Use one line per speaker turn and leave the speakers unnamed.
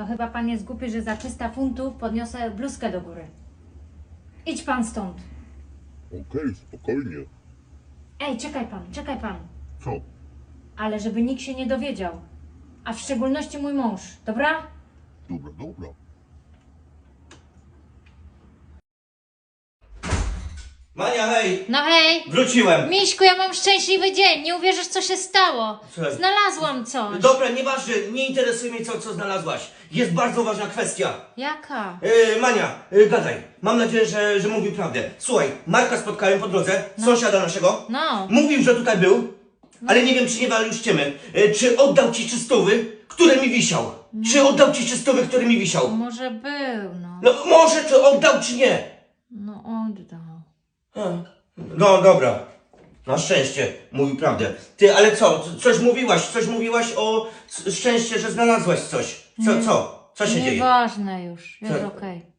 chyba pan jest głupi, że za 300 funtów podniosę bluzkę do góry. Idź pan stąd.
Okej, spokojnie.
Ej, czekaj pan.
Co?
Ale żeby nikt się nie dowiedział. A w szczególności mój mąż, dobra?
Dobra, dobra.
Mania, hej!
No hej!
Wróciłem!
Miśku, ja mam szczęśliwy dzień, nie uwierzysz, co się stało.
Słuchaj.
Znalazłam coś.
Dobra, nieważne, nie interesuje mnie co znalazłaś. Jest bardzo ważna kwestia.
Jaka?
Mania, gadaj. Mam nadzieję, że mówi prawdę. Słuchaj, Marka spotkałem po drodze, sąsiada naszego.
No.
Mówił, że tutaj był, ale nie wiem, czy nie walił już ściemy. Czy oddał ci 300, które mi wisiał? Czy oddał ci 300, które mi wisiał?
Może był, no.
No może, czy oddał, czy nie?
No oddał.
No dobra. Na szczęście mówił prawdę. Ty, ale co? Coś mówiłaś o szczęście, że znalazłaś coś. Co się dzieje?
Nieważne już, jest
Co?
okej.